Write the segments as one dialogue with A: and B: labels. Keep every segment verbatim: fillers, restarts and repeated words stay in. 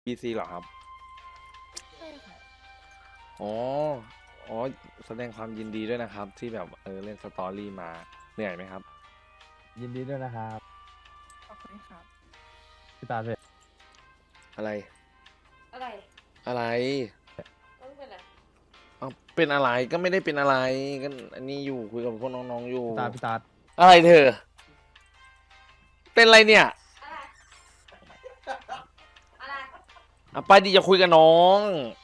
A: บี ซี เหรอครับ
B: ใช่ค่ะ
A: อ๋ออ๋อแสดงความยินดีด้วยนะครับที่แบบเออเล่นสตอรี่มาเหนื่อยไหมครับ
C: ยินดีด้วยนะครับ
B: ขอบคุณครับ
C: พี่ตาลเลย
A: อะไร
B: อะไร
A: อะไร
B: ต้องเป็นอะไร
A: เอาเป็นอะไรก็ไม่ได้เป็นอะไรก็อันนี้อยู่คุยกับพวกน้องๆอยู่
C: พี่ตาลพี่ตาล
A: อะไรเธอเป็นอะไรเนี่ย
B: อะไรอะไร
A: อ่ะไปดิจะคุยกับน้อง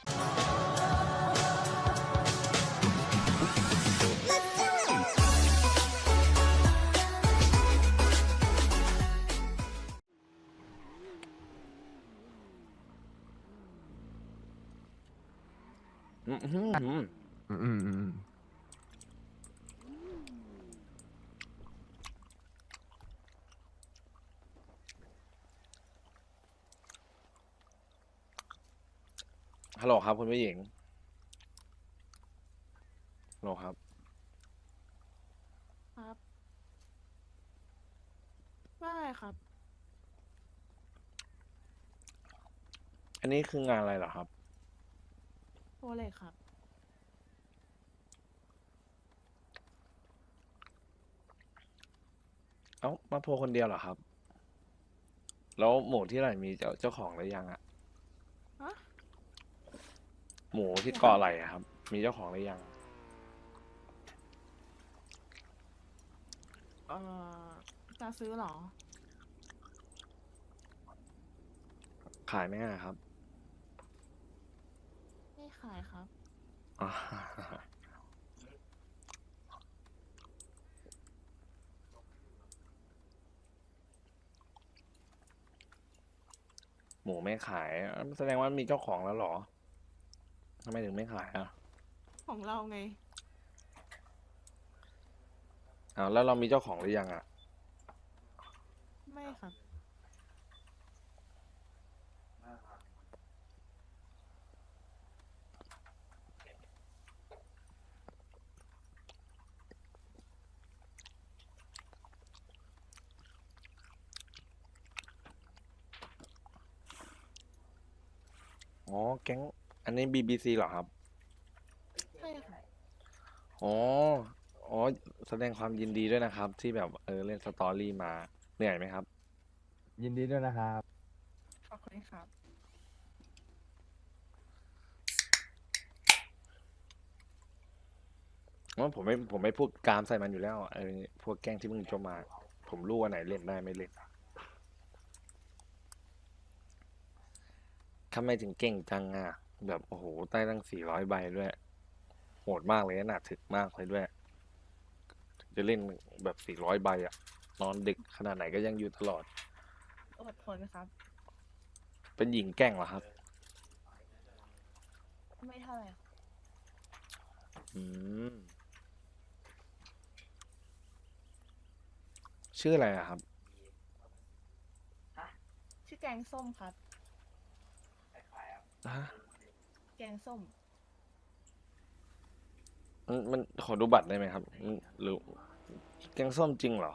A: อืมอืมอืม
C: อืมอืมอืม
A: ฮัลโหลครับคุณผู้หญิงฮัลโหลครับ
B: ครับว่าไงครับ
A: อันนี้คืองานอะไรเหรอครับ
B: โทรเลยครับ
A: เอ้ามาโพลคนเดียวเหรอครับแล้วหมูที่ไหนมีเจ้าเจ้าของหรือยังอะ
B: ฮะ
A: หมูที่
B: หมู
A: เกาะไหล่อะครับมีเจ้าของหรือยัง
B: เอ่อจะซื้อเหรอ
A: ขายไหมอะครับ
B: ไม่ขายครับ
A: อ่าหมูไม่ขายอ่ะแสดงว่ามีเจ้าของแล้วเหรอทำไมถึงไม่ขายอ่ะ
B: ของเราไง
A: อ้าวแล้วเรามีเจ้าของหรือยังอ่ะ
B: ไม่ครับ
A: อ๋อแก๊งอันนี้ บี บี ซี เหรอครับ
B: ใช่ค่ะ
A: อ๋ออ๋อแสดงความยินดีด้วยนะครับที่แบบเออเล่นสตอรี่มาเหนื่อยไหมครับ
C: ยินดีด้วยนะครับ
B: ขอบคุณครับ
A: ว่าผมไม่ผมไม่พูดกามใส่มันอยู่แล้วไอ้พวกแก๊งที่มึงจะมาผมรู้ว่าไหนเล่นได้ไม่เล่นทำไมถึงเก่งจังอ่ะแบบโอ้โหใต้ตั้งสี่ร้อยใบด้วยโหดมากเลยนะหนาถึกมากเลยด้วยจะเล่นแบบสี่ร้อยใบอ่ะนอนดึกขนาดไหนก็ยังอยู่ตลอด
B: อดทนครับ
A: เป็นหญิงแกร่งเหรอครับ
B: ไม่เท่าไหร่
A: อืมชื่ออะไรอะครับ
B: ชื่อแกงส้มครับ
A: ฮะ
B: แกงส้ม
A: มันมันขอดูบัตรได้ไหมครับมันหรือแกงส้มจริงเหรอ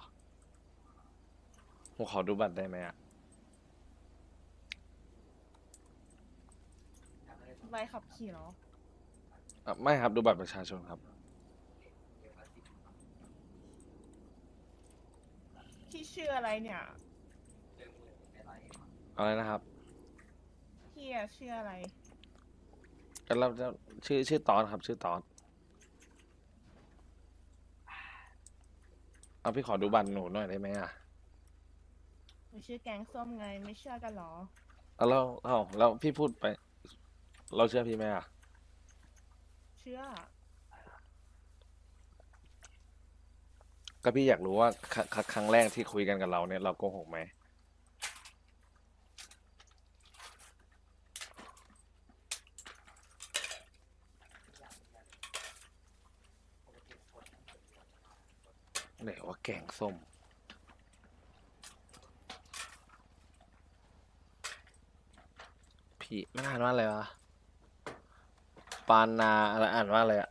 A: ผมขอดูบัตรได้ไหมอะ
B: ใบขับขี่เหรอ
A: อ่ะไม่ครับดูบัตรประชาชนครับ
B: พี่ชื่ออะไรเนี่ย
A: อะไรนะครับ
B: พี่อะชื่ออะไร
A: ก็เราจะชื่อชื่อตอนครับชื่อตอนเอาพี่ขอดูบัตรหนูหน่อยได้ไหมอะ
B: หนูชื่อแกงส้มไงไม่เชื่อกันเหรอ
A: เอาแล้วเอาแล้วพี่พูดไปเราเชื่อพี่ไหมอะ
B: เชื่อ
A: ก็พี่อยากรู้ว่าครัครั้งแรกที่คุยกันกับเราเนี่ยเราโกหกไหมไหนว่าแกงส้มพี่มันอ่านว่าอะไรวะปานาอะไรอ่านว่าอะไรอะ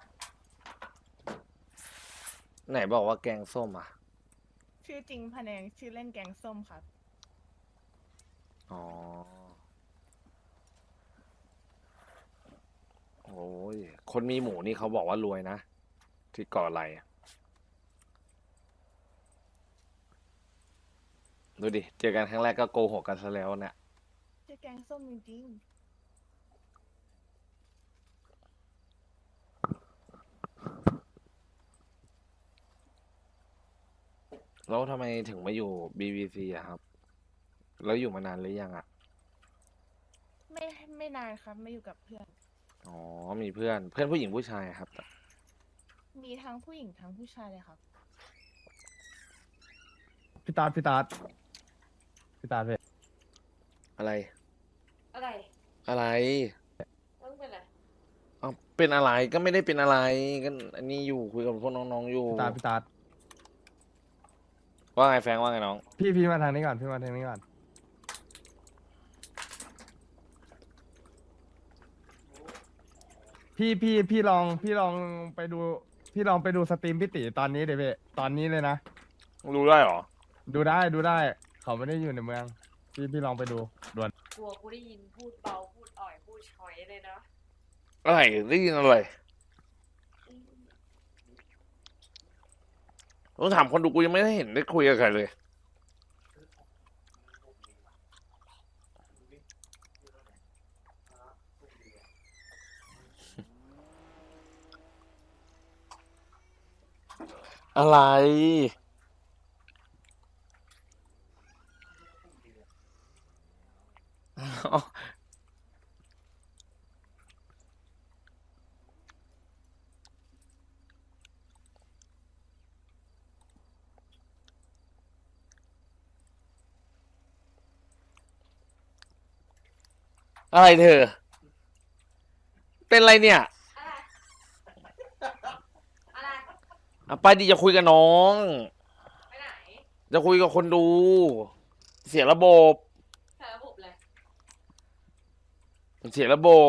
A: ไหนบอกว่าแกงส้มอ่ะ
B: ชื่อจริงพะแนงชื่อเล่นแกงส้มครับ
A: อ๋อคนมีหมูนี่เขาบอกว่ารวยนะ ที่เกาะไหลอะดูดิ เจอกันครั้งแรกก็โกหกกันซะแล้วเนี่ย
B: ชื่อแกงส้มจริง
A: แล้วทำไมถึงมาอยู่ บี บี ซี อะครับ แล้วอยู่มานานหรือยังอะ
B: ๆ ไม่ไม่นานครับมาอยู่กับเพื่อน
A: อ๋อ มีเพื่อน เพื่อนผู้หญิงผู้ชายอะครับ
B: มีทั้งผู้หญิงทั้งผู้ชายเลยครับ
C: พี่ตาดพี่ตาดพี่ตาดเพ่
A: อะไร
D: อะไร
A: อะไร
D: มึงเป็นอะไร
A: เอาเป็นอะไรก็ไม่ได้เป็นอะไรก็อันนี้อยู่คุยกับพวกน้องๆอยู่
C: พี่ตาดพี่ตาด
A: ว่าไงแฟรงค์ว่าไงน้อง
C: พี่พี่มาทางนี้ก่อนพี่มาทางนี้ก่อนพี่พี่พี่ลองพี่ลองไปดู พี่ลองไปดูสตรีมพี่ติตอนนี้เดี๋ยวพี่ตอนนี้เลยนะ
A: รู้ได้เหรอ
C: ดูได้ดูได้ เขาไม่ได้อยู่ในเมือง พี่พี่ลองไปดูด่วน
D: กลัวกูได้ยินพูดเบา พูดอ่อย พูดช้อยเลยนะ
A: อะไรได้ยินอะไรต้องถามคนดูกูยังไม่ได้เห็นได้คุยกับใครเลย อะไร อ๋ออะไรเธอ เป็นอะไรเนี่ย
D: อะไร อะไร
A: อ่ะไปดิจะคุยกับน้อง
D: ไปไหน
A: จะคุยกับคนดู เสียระบบ
D: ใส่ระบบเลย
A: เสียระบบ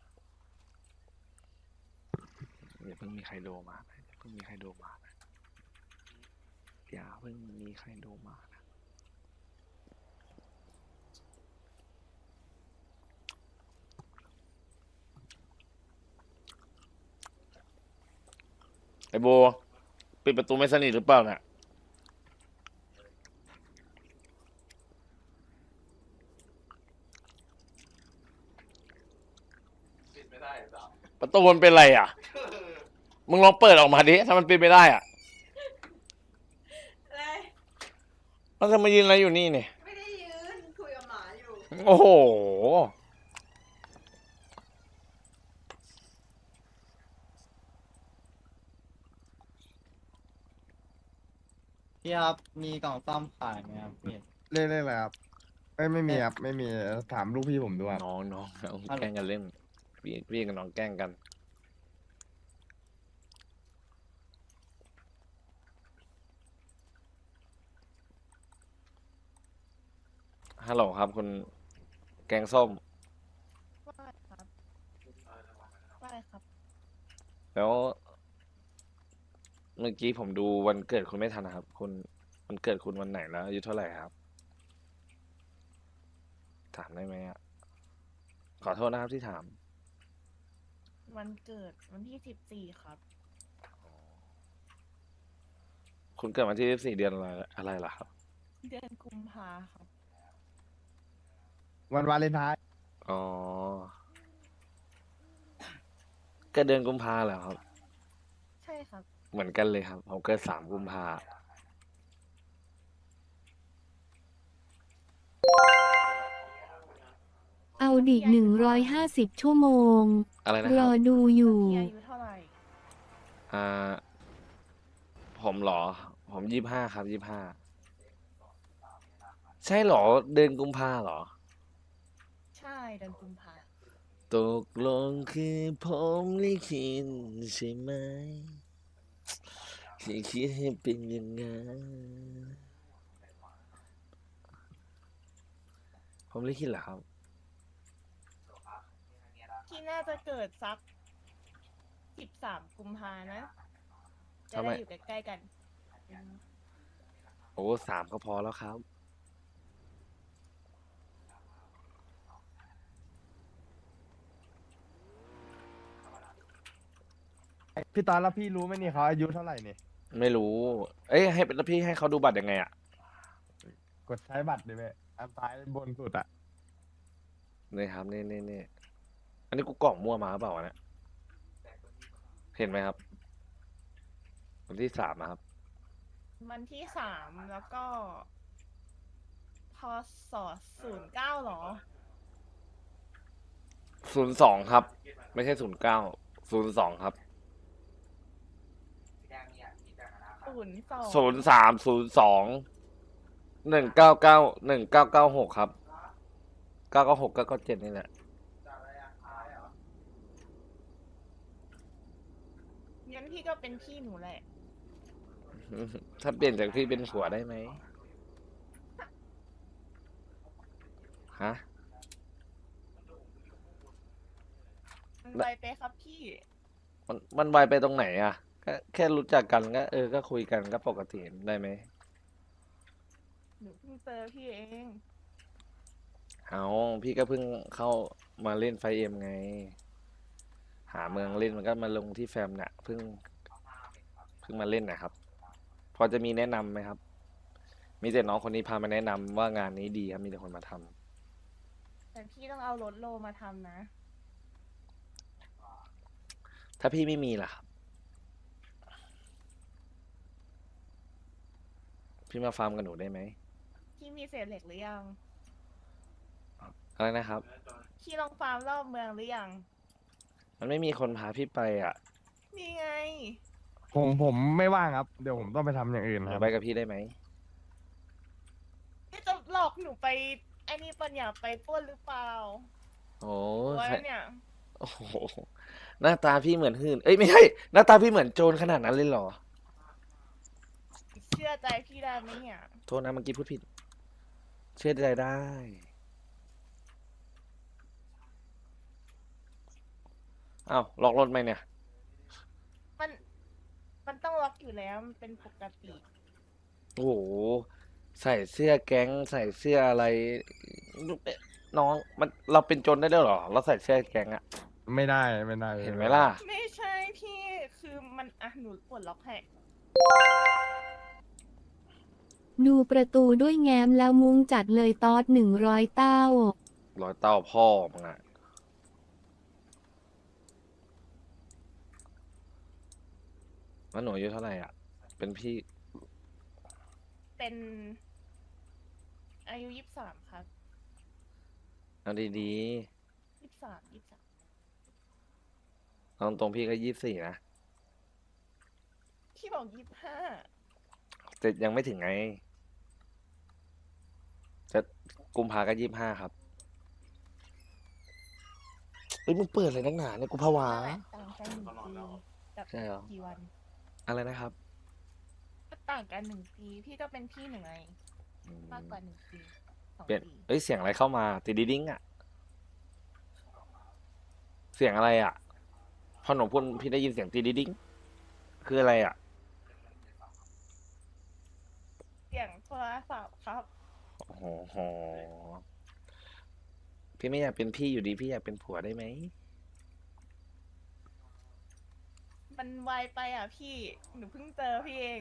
A: อย่าเพิ่งมีใครโดมานะอย่าเพิ่งมีใครโดมานะอย่าเพิ่งมีใครโดมานะไอ้โบปิดประตูไม่สนิทหรือเปล่าเนี่ยประตูมันเป็นไรอ่ะ มึงลองเปิดออกมาดิ ถ้ามันเป็นไม่ได้อ่ะ
D: อะไร
A: มันจะมายืนอะไรอยู่นี่เนี่ย
D: ไม่ได้ยืน คุยกับหมาอยู่
A: โอ้โห
E: พี่ครับ มีกล่องซ่อมขายไหมครับพี่
C: เล่นเล่นอะไรครับไม่ไม่มีครับไม่มีถามลูกพี่ผมดูครับ
A: น้องน้องน้องแกล้งกันเล่น พี่พี่กับน้องแกล้งกัน ฮัลโหลครับคุณแกงส้ม
B: ว่าครับว่าครับ
A: แล้ว เมื่อกี้ผมดูวันเกิดคุณไม่ทันนะครับ คุณวันเกิดคุณวันไหนแล้วอายุเท่าไหร่ครับ ถามได้ไหมอ่ะ ขอโทษนะครับที่ถาม
B: วันเกิดวันที่สิบสี่ครับ
A: คุณเกิดวันที่สิบสี่เดือนอะไรอะไรล่ะครับ
B: เดือนกุมภาครับ
C: วันวาเลนไทน์
A: อ๋อเกิดเดือนกุมภาเหรอครับ
B: ใช่ครับ
A: เหมือนกันเลยครับ ผมเกิดสามกุมภา
F: เอาดิหนึ่งร้อยห้าสิบชั่วโมง
A: อะไรนะ
F: ร
A: ครั
F: อบ ดูอยู่
B: เฮียอายุเท่าไหร่
A: อ่า ผมเหรอ ผมยี่ห้าครับยี่ห้า ใช่เหรอ เดือนกุมภาเหรอ
B: ใช่เดือนกุมภา
A: ตกลงคือผมลิขิตใช่ไหมที่คิดให้เป็นอย่างนั้นผมลิขิตเหรอครับ
B: ที่น่าจะเกิดสักสิบสามกุมภานะ จะ
A: ทำไม
B: ได้อยู่ใกล้ๆกันอืม
A: โอ้สามก็พอแล้วครับ
C: พี่ตอนแล้วพี่รู้ไหมนี่เขาอายุเท่าไหร่นี่
A: ไม่รู้ เอ้ยให้แล้วพี่ให้เขาดูบัตรยังไงอ่ะ
C: กดใช้บัตรดิเว้ยอันซ้ายบนสุดอะ
A: นี่ครับนี่นี่นี่อันนี้กูกล่องมั่วมาหรือเปล่าวะเนี่ยเห็นไหมครับวันที่สามอะครับ
B: วันที่สามแล้วก็พศศูนย์เก้าหรอ
A: ศูนย์สองครับ ไม่ใช่ศูนย์เก้าศูนย์สองครับ
B: ศูนย์สอง
A: ศูนย์สามศูนย์สองหนึ่งเก้าเก้าหนึ่งเก้าเก้าหกครับเก้าเก้าหกเก้าเก้าเจ็ดนี่แหละ
B: งั้นพี่ก็เป็นพี่หนูแหละ
A: ถ้าเปลี่ยนจากพี่เป็นผัวได้ไหมฮะ
B: มันไปไปครับพี่
A: มันมันไวไปตรงไหนอ่ะก็แค่รู้จักกันก็เออก็คุยกันก็ปกติได้ไหม
B: หนูเพิ่งเจอพี่เอง
A: เอาพี่ก็เพิ่งเข้ามาเล่นไฟเอ็มไง หาเมืองเล่นมันก็มาลงที่แฟมเนี่ยเพิ่งเพิ่งมาเล่นนะครับ พอจะมีแนะนำไหมครับ มีแต่น้องคนนี้พามาแนะนำว่างานนี้ดีครับมีแต่คนมาทำ
B: แต่พี่ต้องเอารถโลมาทำนะ
A: ถ้าพี่ไม่มีล่ะครับพี่มาฟาร์มกับหนูได้ไหม
B: พี่มีเศษเหล็กหรือยัง
A: อะไรนะครับ
B: พี่ลองฟาร์มรอบเมืองหรือยัง
A: มันไม่มีคนพาพี่ไปอ่ะ
B: นี่ไง
C: ผมผมไม่ว่างครับ เดี๋ยวผมต้องไปทำอย่างอื่น
A: ห
C: ค
A: นู
C: รับ
A: ไปกับพี่ได้ไหม
B: พี่จะหลอกหนูไปไอ้นี่ปัญญาไปปล้นหรือเปล่า
A: โอ้
B: ไว้
A: ใคร
B: เนี่ย
A: โอ้โหหน้าตาพี่เหมือนหื่นเอ้ยไม่ใช่ หน้าตาพี่เหมือนโจรขนาดนั้นเลยเหรอ
B: เชื่อใจพี่ได้ไหมเนี่ย
A: โทษนะเมื่อกี้พูดผิด เชื่อใจได้ อ้าวล็อกรถไหมเนี่ย
B: มัน มันต้องล็อกอยู่แล้ว มันเป็นปกติ
A: โอ้โห ใส่เสื้อแก๊ง ใส่เสื้ออะไร น้องมันเราเป็นโจรได้ด้วยเหรอ เราใส่เสื้อแก๊งอะ
C: ไม่ได้ไม่ได้
A: เห็นไหมล่ะ
B: ไม่ใช่พี่ คือมันอ่ะหนูปลดล็อกให้
F: ดูประตูด้วยแง้มแล้วมุ้งจัดเลยตอดหนึ่งร้อยเต้า
A: รอยเต้าพ่อมึงอะแล้วหนูอายุเท่าไหร่อ่ะ เป็นพี่
B: เป็น อายุยี่สิบสามครับ
A: เอาดี
B: ยี่สิบสามยี่สิบสาม
A: ๆเอาตรงๆพี่ก็ยี่สิบสี่นะ
B: พี่บอกยี่สิบห้า
A: แต่ยังไม่ถึงไง จะกุมภาก็ยี่สิบห้าครับเอ้ยมึงเปิดอะไรนักหนาเนี่ยกูผวา
B: ต่างกันหนึ่งปีกับ
A: ใช่เหรอ
B: กี่วัน
A: อะไรนะครับ
B: ก็ต่างกันหนึ่งปี พี่ก็เป็นพี่หนึ่งไง
A: อืม
B: มากกว่าหนึ่งปีสอง
A: เปลี่ยน
B: ปี
A: เอ้ยเสียงอะไรเข้ามาติดดิดิ้งอ่ะ เสียงอะไรอ่ะ พอหนูพูดพี่ได้ยินเสียงติดดิดิ้งคืออะไรอ่ะ
B: เสียงโทรศัพท์ครับ
A: โอ้โห พี่ไม่อยากเป็นพี่อยู่ดี พี่อยากเป็นผัวได้ไหม
B: มันไวไปอ่ะพี่ หนูเพิ่งเจอพี่เอง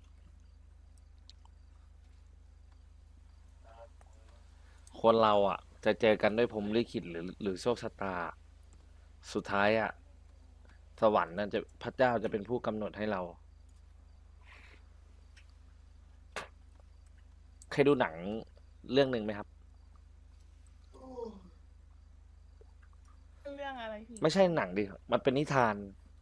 A: คนเราอ่ะ จะเจอกันด้วยพรหมลิขิตหรือหรือโชคชะตา สุดท้ายอ่ะ สวรรค์นั่นจะพระเจ้าจะเป็นผู้กำหนดให้เรา เคยดูหนังเรื่องหนึ่งไหมครับ
B: เรื่องอะไรพี่
A: ไม่ใช่หนังดิ มันเป็นนิทาน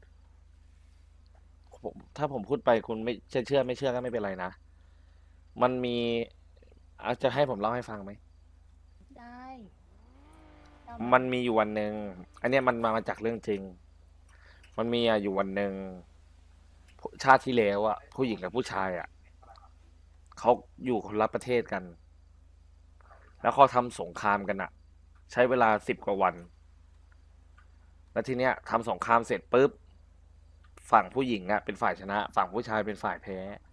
A: ผมถ้าผมพูดไปคุณไม่เชื่อเชื่อไม่เชื่อก็ไม่เป็นไรนะ มันมีอาจจะให้ผมเล่าให้ฟังไหม
B: ได้เอา
A: มันมีอยู่วันหนึ่ง อันเนี้ยมันมามาจากเรื่องจริง มันมีอะอยู่วันหนึ่งผู้ชาติที่แล้วอะผู้หญิงกับผู้ชายอะเขาอยู่คนละประเทศกัน แล้วเขาทำสงครามกันอะใช้เวลาสิบกว่าวัน แล้วทีเนี้ยทำสงครามเสร็จปุ๊บ ฝั่งผู้หญิงอะเป็นฝ่ายชนะ ฝั่งผู้ชายเป็นฝ่ายแพ้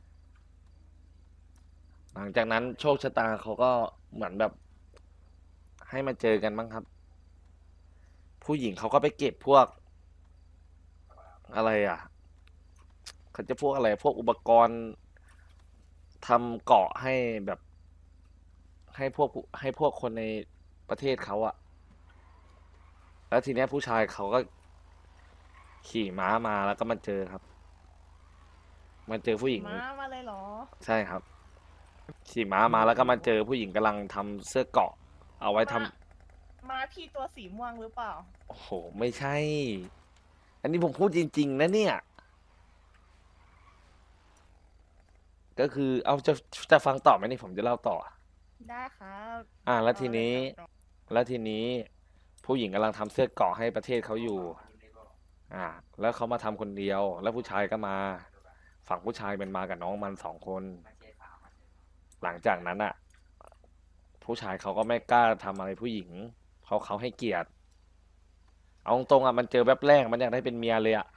A: หลังจากนั้นโชคชะตาเขาก็เหมือนแบบ ให้มาเจอกันบ้างครับ ผู้หญิงเขาก็ไปเก็บพวกอะไรอ่ะเขาจะพวกอะไร พวกอุปกรณ์ทำเกาะให้แบบ ให้พวกผู้ให้พวกคนในประเทศเขาอะแล้วทีเนี้ยผู้ชายเขาก็ ขี่ม้ามาแล้วก็มาเจอครับ มาเจอผู้หญิง
B: มามาเลยเหรอ
A: ใช่ครับ ขี่ม้ามาแล้วก็มาเจอผู้หญิงกำลังทำเสื้อเกราะ เอาไว้ทำ
B: มามาพี่ตัวสีม่วงหรือเปล่า
A: โอ้โห ไม่ใช่ อันนี้ผมพูดจริง ๆ นะเนี่ย ก็คือ เอาจะจะฟังต่อไหมนี่ผมจะเล่าต่อ
B: ได้ครับ
A: อ่า แล้ว
B: เอา
A: ที
B: เลย
A: นี้
B: ครับ
A: แล้วทีนี้ ผู้หญิงกำลังทำเสื้อเกราะให้ประเทศเขาอยู่ อ่า แล้วเขามาทำคนเดียว แล้วผู้ชายก็มา ฝั่งผู้ชายเป็นมากับน้องมันสองคน หลังจากนั้นอ่ะ ผู้ชายเขาก็ไม่กล้าทำอะไรผู้หญิง เพราะเขาให้เกียรติ เอาตรงๆอ่ะมันเจอแวบแรกมันอยากได้เป็นเมียเลยอ่ะ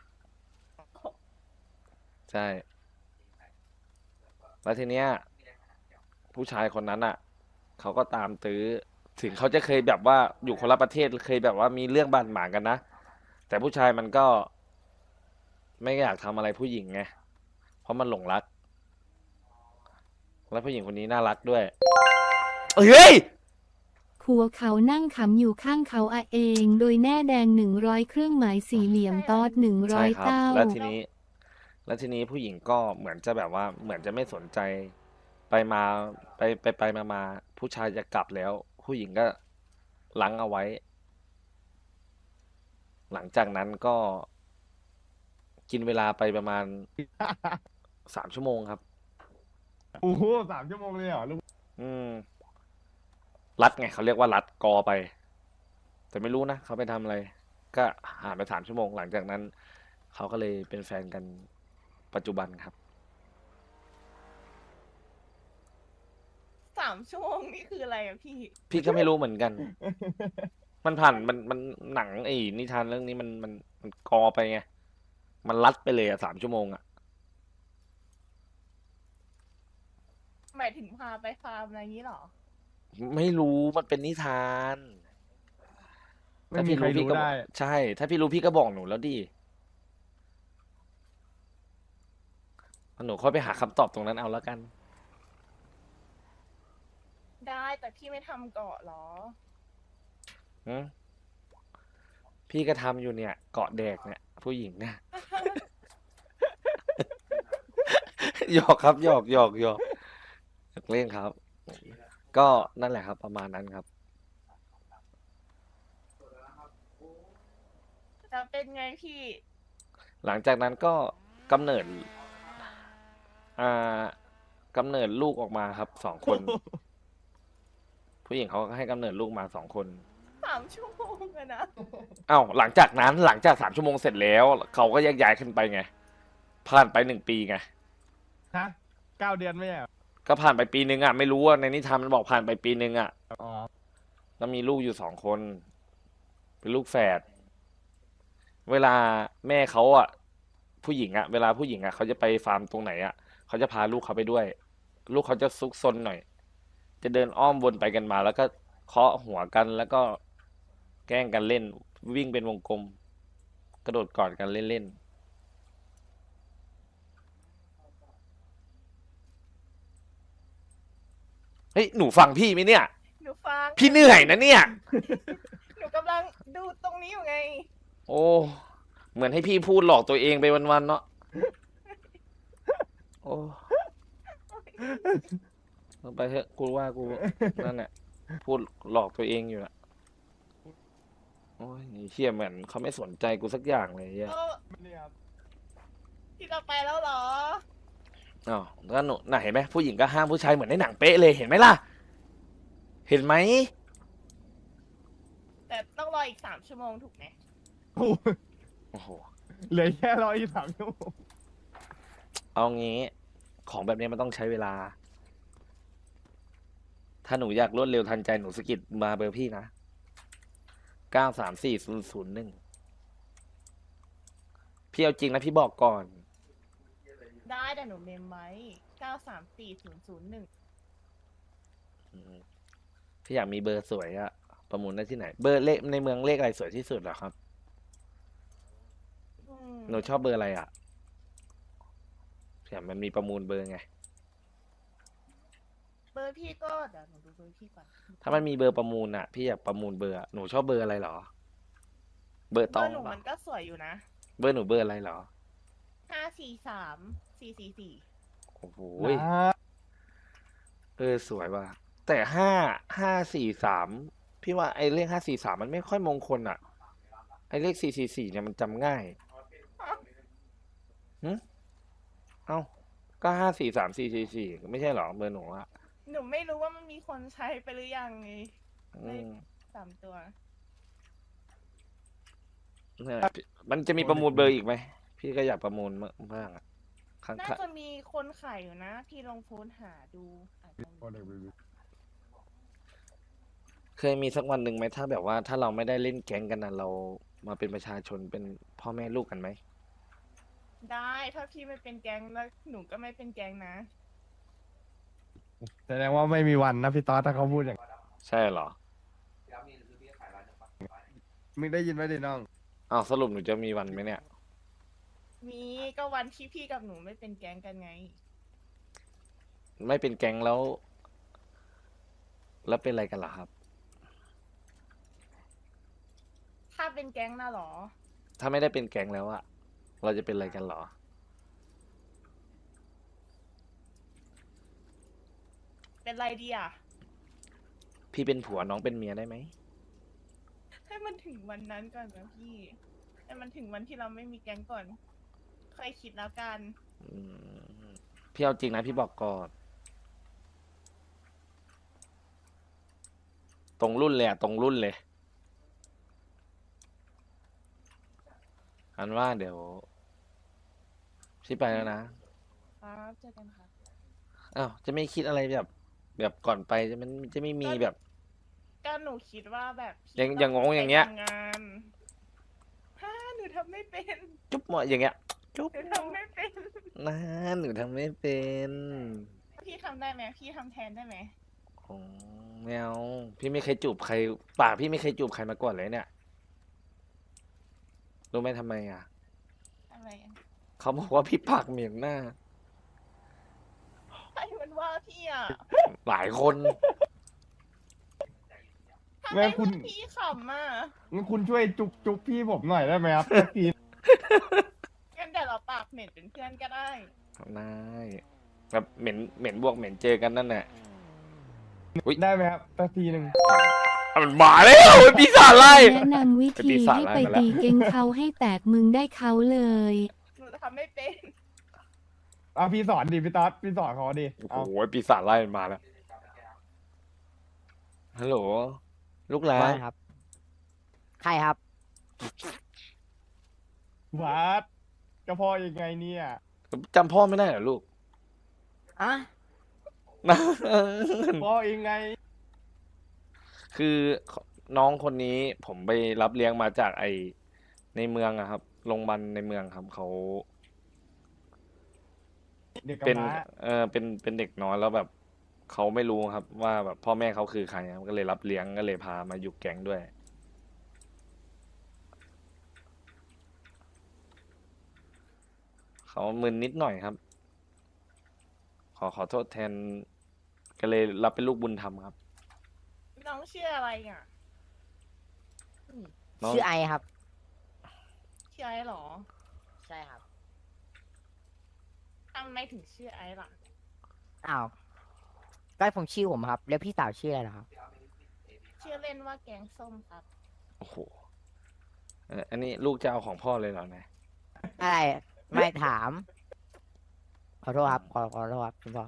A: ใช่ แล้วทีเนี้ย ผู้ชายคนนั้นอ่ะ เขาก็ตามตื้อ ถึงเขาจะเคยแบบว่าอยู่คนละประเทศ เคยแบบว่ามีเรื่องบาดหมางกันนะ แต่ผู้ชายมันก็ ไม่อยากทำอะไรผู้หญิงไง เพราะมันหลงรัก แล้วผู้หญิงคนนี้น่ารักด้วย เฮ้ย
F: หัวเขานั่งขำอยู่ข้างเขาอะเอง โดยแน่แดงหนึ่งร้อยเครื่องหมายสี่เหลี่ยมตอดหนึ่งร้
A: ใช่
F: อย
A: ครับ
F: เต้า
A: แล้วทีนี้ แล้วทีนี้ผู้หญิงก็เหมือนจะแบบว่า เหมือนจะไม่สนใจ ไปมา ไปไปไปมามาผู้ชายจะกลับแล้ว ผู้หญิงก็รั้งเอาไว้ หลังจากนั้นก็ กินเวลาไปประมาณ สามชั่วโมงครับ
C: โอ้โหสามชั่วโมงเลยเหรอลูก
A: อืม รัดไงเขาเรียกว่ารัดกอไป แต่ไม่รู้นะเขาไปทำอะไร ก็หานไปสามชั่วโมง หลังจากนั้น เขาก็เลยเป็นแฟนกันปัจจุบันครับ
B: สามชั่วโมงนี่คืออะไรอะพี่
A: พี่ก็ไม่รู้เหมือนกัน มันผ่านมันมันหนังไอ้นิทานเรื่องนี้มันมันมันกอไปไง มันรัดไปเลยอะสามชั่วโมงอะ
B: หมายถึงพาไปฟาร์มอะไรอย่างนี้เหรอ
A: ไม่รู้มันเป็นนิทาน
C: ไม่มีใคร
A: พี่
C: รู้
A: ก็บ
C: ได้
A: อกใช่ ถ้าพี่รู้พี่ก็บอกหนูแล้วดิหนูค่อยไปหาคำตอบตรงนั้นเอาแล้วกัน
B: ได้แต่พี่ไม่ทำเกาะเหรอ
A: หืมพี่ก็ทำอยู่เนี่ย เกาะแดกเนี่ย ผู้หญิงเนี่ย หยอกครับหยอกหยอกหยอกหยอกเล่นครับ ก็นั่นแหละครับ ประมาณนั้นครับ
B: จะเป็นไงพี่
A: หลังจากนั้นก็กำเนิด อ่ากำเนิดลูกออกมาครับสองคน ผู้หญิงเขาก็ให้กำเนิดลูกมาสองคน
B: สามชั่วโมงอะนะ
A: เอ้าหลังจากนั้นหลังจากสามชั่วโมงเสร็จแล้ว เขาก็แยกย้ายขึ้นไปไง ผ่านไปหนึ่งปีไง
C: ฮะเก้าเดือนไม่ใช่เหรอ
A: ก็ผ่านไปปีนึงอ่ะไม่รู้ว่าในนิทานมันบอกผ่านไปปีนึงอ่ะ
C: อ๋อ
A: แล้วมีลูกอยู่สองคน เป็นลูกแฝด เวลาแม่เขาอ่ะ ผู้หญิงอ่ะ เวลาผู้หญิงอ่ะเขาจะไปฟาร์มตรงไหนอ่ะเขาจะพาลูกเขาไปด้วย ลูกเขาจะซุกซนหน่อย จะเดินอ้อมวนไปกันมา แล้วก็เคาะหัวกันแล้วก็แกล้งกันเล่น วิ่งเป็นวงกลม กระโดดกอดกันเล่นๆเฮ้ยหนูฟังพี่ไหมเนี่ย
B: หนูฟัง
A: พี่เหนื่อยนะเนี่ย
B: หนูกำลังดูตรงนี้อยู่ไง
A: โอ้ เหมือนให้พี่พูดหลอกตัวเองไปวันๆเนาะ โอ้เอาไปเถอะกูว่ากู นั่นแหละพูดหลอกตัวเองอยู่ละโอ้ยนี่เชี่ยเหมือนเขาไม่สนใจกูสักอย่างเลยเหี้ย
B: เออ
C: นี่ครับ
B: พี่จะไปแล้วเหรอ
A: อ้าวแล้วหนูน่ะเห็นไหมผู้หญิงก็ห้ามผู้ชายเหมือนในหนังเป๊ะเลยเห็นไหมล่ะ เห็นไหม
B: แต่ต้องรออีกสามชั่วโมงถูกไหม
C: โอ้โห
A: โอ้โห
C: เหลือแค่ร้อยสามชั่วโมง
A: เอางี้ ของแบบนี้มันต้องใช้เวลา ถ้าหนูอยากรวดเร็วทันใจหนูสะกิดมาเบอร์พี่นะ เก้าสามสี่ศูนย์ศูนย์หนึ่ง พี่เอาจริงนะพี่บอกก่อน
B: ได้แต่หนูเมมไว้เก้าสามสี่ศูนย์ศูนย์หนึ่ง
A: อืมพี่อยากมีเบอร์สวยอะประมูลได้ที่ไหน เบอร์เลขในเมืองเลขอะไรสวยที่สุดเหรอครับ หนูชอบเบอร์อะไรอะผื่อมันมีประมูลเบอร์ไง
B: เบอร์พี่ก็เดี๋ยวหนูดูเบอร์พี่ก่อน
A: ถ้ามันมีเบอร์ประมูลอ่ะ พี่อยากประมูลเบอร์อะหนูชอบเบอร์อะไรเหรอ เบอร์
B: เบ
A: ต
B: อ
A: อง
B: ร์หนู
A: เหรอ
B: มันก็สวยอยู่นะ
A: เบอร์หนูเบอร์อะไรเหรอ
B: ห้าสี่สามสี่สี่สี่
A: โอ้โห
C: นะ
A: เออสวยว่ะแต่ห้าห้าสี่สามพี่ว่าไอ้เลขห้าสี่สามมันไม่ค่อยมงคลอ่ะ ไอ้เลขสี่สี่สี่เนี่ยมันจำง่ายหึเอ้าก็ห้าสี่สามสี่สี่สี่ไม่ใช่เหรอเบอร์หนูอะ
B: หนูไม่รู้ว่ามันมีคนใช้ไปหรือยังไง
A: อืม
B: สามตัว
A: เนี่ยมันจะมีประมูลเบอร์อีกไหมพี่ก็อยากประมูลมากอะข้าง
B: น่า
A: ๆ
B: จะมีคนขายอยู่นะ พี่ลองโพสต์หาดูอาจจะมี
A: เคยมีสักวันหนึ่งไหมถ้าแบบว่าถ้าเราไม่ได้เล่นแก๊งกันนะเรามาเป็นประชาชนเป็นพ่อแม่ลูกกันไหม
B: ได้ถ้าพี่ไม่เป็นแก๊งแล้วหนูก็ไม่เป็นแก๊งนะ
C: แสดงว่าไม่มีวันนะพี่ต๊อดถ้าเขาพูดอย่างนั้น
A: ใช่เหรอ
C: มึงได้ยินไหมดิน้อง
A: อ้าวสรุปหนูจะมีวันไหมเนี่ย
B: มีก็วันที่พี่กับหนูไม่เป็นแก๊งกันไง
A: ไม่เป็นแก๊งแล้ว แล้วเป็นอะไรกันล่ะครับ
B: ถ้าเป็นแก๊งน่ะเหรอ
A: ถ้าไม่ได้เป็นแก๊งแล้วอะเราจะเป็นอะไรกันเหรอ
B: เป็นไรดีอ่ะ
A: พี่เป็นผัวน้องเป็นเมียได้ไหม
B: ให้มันถึงวันนั้นก่อนนะพี่ให้มันถึงวันที่เราไม่มีแก๊งก่อนค่อยคิดแล้วกัน
A: อืมพี่เอาจริงนะพี่บอกก่อน ตรงรุ่นเลยอะตรงรุ่นเลย อันว่าเดี๋ยวพี่ไปแล้วนะครับ
B: เจอกันครับ
A: อ้าวจะไม่คิดอะไรแบบ แบบก่อนไปจะมันจะไม่มีแบบ
B: ก็หนูคิดว่าแบบพี่
A: อย่าง
B: ต้
A: อย่างงงอย่างเงี้ย
B: ไปทำงานฮ่าหนูทำไม่เป็น
A: จุ๊บหมดอย่างเงี้ย จุ๊บ
B: หนูทำไม่เป็น
A: นะหนูทำไม่เป็น
B: พี่ทำได้ไหมพี่ทำแทนได้ไหม
A: โอ้แมวพี่ไม่เคยจูบใครปากพี่ไม่เคยจูบใครมาก่อนเลยเนี่ยรู้ไหมทำไมอ่ะ
B: อะไรอะ
A: เขาบอกว่าพี่ปากเหม็นหน้า
B: ใครมันว่าพี่อ่ะ
A: หลายคน
B: ทำ
C: แม่
B: ไม
C: คุณ
B: พี่ขำอ่ะ
C: งั้นคุณช่วยจุ๊บจุ๊บพี่ผมหน่อยได้ไหมครับสักที
B: งั้นเดี๋ยวเราปากเหม็นเป็นเพื่อนก็ได้
A: ได้แบบเหม็นเหม็นบวกเหม็นเจอกันนั่นแหละ
C: ได้ไหมครับสักทีหนึ่ง
A: อ่ะมันมาแล้วไอ้ปีศาจไล่
F: แนะนำวิ
A: ไอ้
F: ธี
A: ปีศาจ
F: ให้
A: ไล่
F: ไป
A: มาแล้ว
F: ตีเก่งเขาให้แตกมึงได้เขาเลย
B: หนูทำไม่เป็น
C: อ่ะพี่สอนดิพี่ต๊อดพี่สอนเขาดิ
A: โอ้
C: เอา
A: โหปีศาจไล่มันมาแล้วฮัลโหลลูกหลา
G: ว่าน ครับ ใครครับ
C: วัดกระเพาะยังไงเนี่ย
A: จำพ่อไม่ได้เหรอลูก
G: อ่ะ
A: นะ
C: พ่อยังไง
A: คือน้องคนนี้ผมไปรับเลี้ยงมาจากไอในเมืองอะครับโรงพยาบาลในเมืองครับเขา
C: เด็ก
A: เป็น
C: กำพร้า
A: เออเป็นเป็นเด็กน้อยแล้วแบบเขาไม่รู้ครับ ว่าแบบพ่อแม่เขาคือใครครับก็เลยรับเลี้ยงก็เลยพามาอยู่แก๊งด้วย เขามึนนิดหน่อยครับ ขอขอโทษแทน ก็เลยรับเป็นลูกบุญธรรมครับ
B: น้องชื่ออะไรอ่ะ
A: น้อง
G: ชื่อไอครับ
B: ชื่อไอ้เหรอ
G: ใช่ครับ
B: ทำไมถึงชื่อไอ้ล่ะ
G: อ้าว ก็ผมชื่อผมครับ แล้วพี่สาวชื่ออะไรเหรอครับ
B: ชื่อเล่นว่าแกงส้มครับ
A: โอ้โหเอ่ออันนี้ลูกจะเอาของพ่อเลยเหรอเนี่ย
G: อะไร ไม่ถาม ขอโทษครับ ขอขอโทษครับคุณพ่อ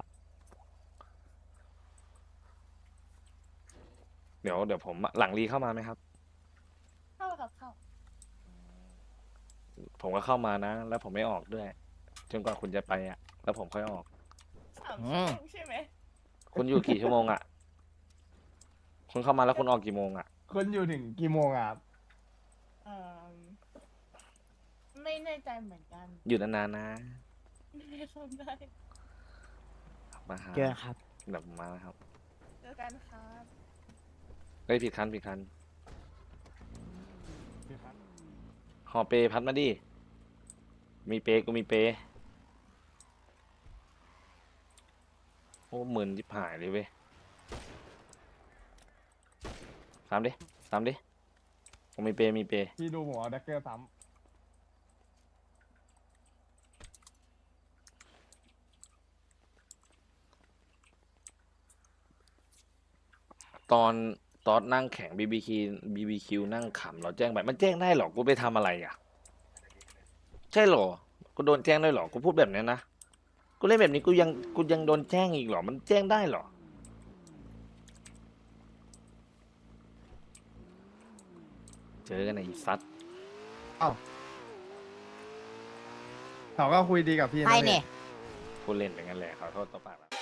A: เดี๋ยวเดี๋ยวผมหลังรีเข้ามาไหมครับ
B: เข้าครับเข้า
A: ผมก็เข้ามานะ แล้วผมไม่ออกด้วย จนกว่าคุณจะไปอ่ะ แล้วผมค่อยออก
B: สาม
G: อื
B: ชั่ว
G: ม
B: โมงใช่ไหม
A: คุณอยู่กี่ชั่วโมงอ่ะ คุณเข้ามาแล้วคุณออกกี่โมงอ่ะ
C: คนอยู่ถึงกี่โมงอ่ะครับ
B: เอ่อไม่แน่ใจเหมือนกัน
A: อยู่นานๆนะ
B: ไม่ได้ทำได้
A: มาหา
G: เจอครับ
A: เดี๋ยวมาครับ
B: เจอกันครับ
A: เฮ้ยผิดคันผิดคันหอเปพัดมาดิ มีเปกูมีเปอ้หมื่นยิบหายเลยเว้ยสามดิสามดิผมมีเปย์มีเปย์
C: พี่ดูผมเอาแดกเกอร์ซ้
A: ตอนตอนนั่งแข่งบีบีคิวบีบีคิวนั่งขำเราแจ้งไปมันแจ้งได้เหรอกูไปทำอะไรอ่ะ ใช่เหรอกูโดนแจ้งได้เหรอกูพูดแบบนี้นะกูเล่นแบบนี้กูยังกูยังโดนแจ้งอีกเหรอมันแจ้งได้เหรอเจอกันไอ้ซัด
C: ำเอ้าเขาก็คุยดีกับพี่นะ
G: ใคร
C: พี่
G: เนี่ย
A: พูดเล่นอย่างนั้นแหละขอโทษต่อปากนะ